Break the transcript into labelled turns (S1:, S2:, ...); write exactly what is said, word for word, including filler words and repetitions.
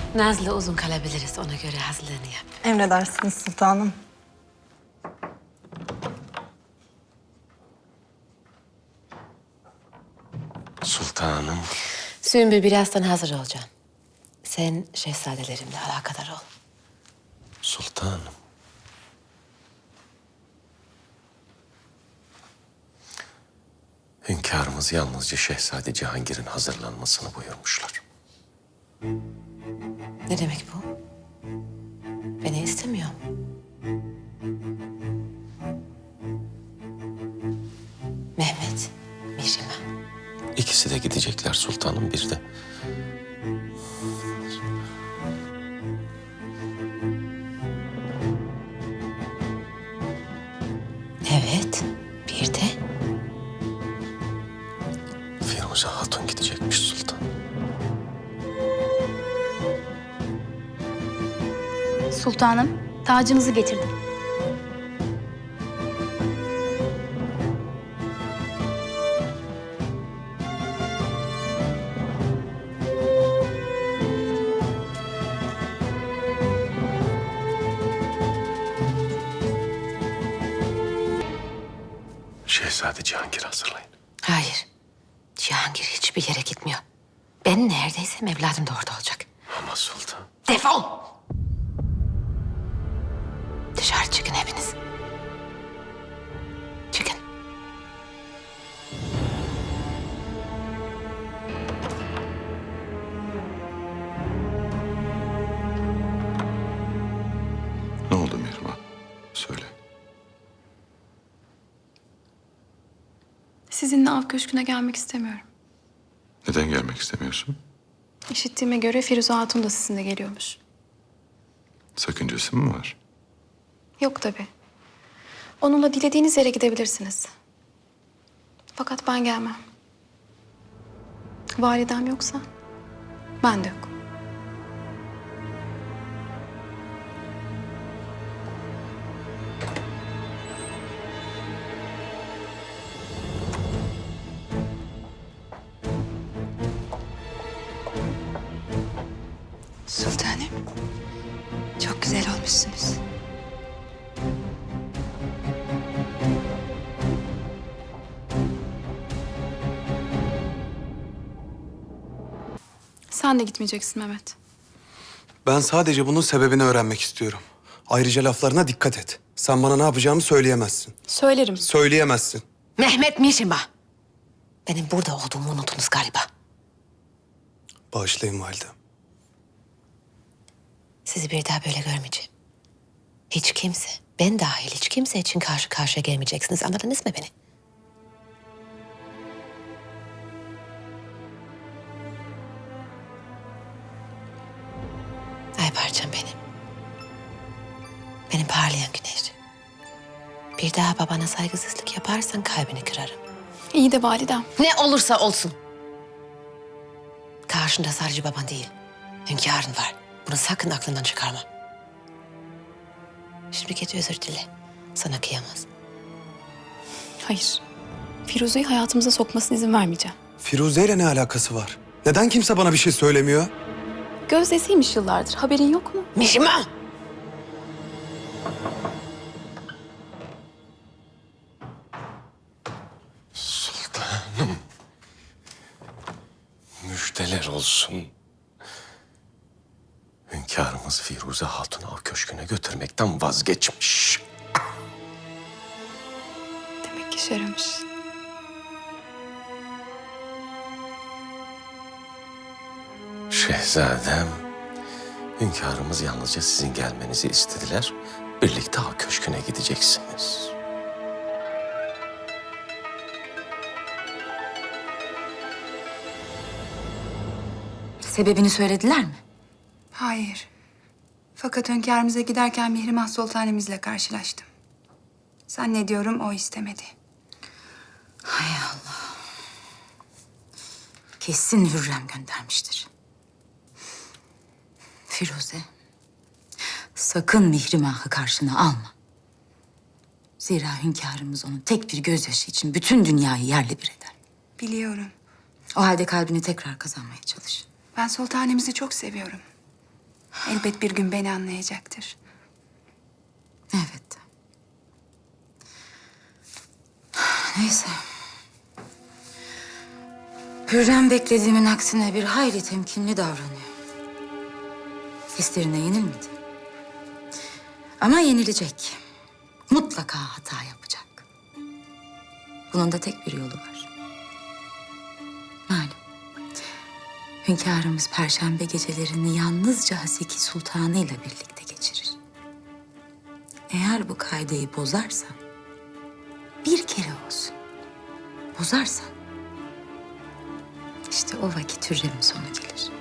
S1: Nazlı uzun kalabiliriz. Ona göre hazırlığını yap.
S2: Emredersiniz sultanım.
S3: Sultanım.
S1: Sümbül birazdan hazır olacağım. Sen şehzadelerimle alakadar ol.
S3: Sultanım. Hünkârımız yalnızca Şehzade Cihangir'in hazırlanmasını buyurmuşlar.
S1: Ne demek bu? Beni istemiyor. Mehmet, Mihrimah.
S3: İkisi de gidecekler sultanım, bir de.
S1: Evet, bir de
S3: Firuze Hatun gidecekmiş sultan.
S4: Sultanım, tacınızı getirdim.
S3: Şehzade Cihangir'i hazırlayın.
S1: hayır. Cihangir hiçbir yere gitmiyor. Ben neredeysem evladım da orada olacak.
S3: Ama sultan.
S1: Defol! Dışarı çıkın hepiniz. Çıkın.
S5: Ne oldu Mihrimah? Söyle.
S4: Sizinle av köşküne gelmek istemiyorum.
S5: Neden gelmek istemiyorsun?
S4: İşittiğime göre Firuze Hatun da sizinle geliyormuş.
S5: Sakıncası mı var?
S4: Yok tabii. Onunla dilediğiniz yere gidebilirsiniz. Fakat ben gelmem. Validem yoksa ben de yok.
S6: Sultanım, çok güzel olmuşsunuz.
S4: Sen de gitmeyeceksin Mehmet.
S7: Ben sadece bunun sebebini öğrenmek istiyorum. Ayrıca laflarına dikkat et. Sen bana ne yapacağımı söyleyemezsin.
S4: Söylerim.
S7: Söyleyemezsin.
S1: Mehmet Mihrimah. Benim burada olduğumu unuttunuz galiba.
S7: Bağışlayın validem.
S1: Sizi bir daha böyle görmeyeceğim. Hiç kimse, ben dahil hiç kimse için karşı karşıya gelmeyeceksiniz. Anladınız mı beni? Ay parçam benim. Benim parlayan güneş. Bir daha babana saygısızlık yaparsan kalbini kırarım.
S4: İyi de validem.
S1: Ne olursa olsun. Karşında sadece baban değil, hünkârın var. Bunu sakın aklından çıkarma. Şimdi git özür dile. Sana kıyamaz.
S4: Hayır. Firuze'yi hayatımıza sokmasına izin vermeyeceğim.
S7: Firuze ile ne alakası var? Neden kimse bana bir şey söylemiyor?
S4: Gözdesiymiş yıllardır. Haberin yok mu?
S1: Mihrimah!
S3: Sultanım. Müjdeler olsun. Hünkârımız Firuze Hatun'u av köşküne götürmekten vazgeçmiş.
S4: Demek işe yaramış.
S3: Şehzadem, hünkârımız yalnızca sizin gelmenizi istediler. Birlikte av köşküne gideceksiniz.
S6: Sebebini söylediler mi?
S8: Hayır. Fakat hünkârımıza giderken Mihrimah Sultanemizle karşılaştım. Zannediyorum o istemedi.
S6: Hay Allah. Kesin Hürrem göndermiştir. Firuze, sakın Mihrimah'ı karşına alma. Zira hünkârımız onun tek bir gözyaşı için bütün dünyayı yerle bir eder.
S8: Biliyorum.
S6: O halde kalbini tekrar kazanmaya çalış.
S8: Ben sultanemizi çok seviyorum. Elbet bir gün beni anlayacaktır.
S6: Evet. Neyse. Hürrem beklediğimin aksine bir hayli temkinli davranıyor. Hislerine yenilmedi. Ama yenilecek. Mutlaka hata yapacak. Bunun da tek bir yolu var. Malum. Hünkârımız Perşembe gecelerini yalnızca Haseki Sultanı ile birlikte geçirir. Eğer bu kaideyi bozarsan, bir kere olsun bozarsan, işte o vakit Hürrem'in sonu gelir.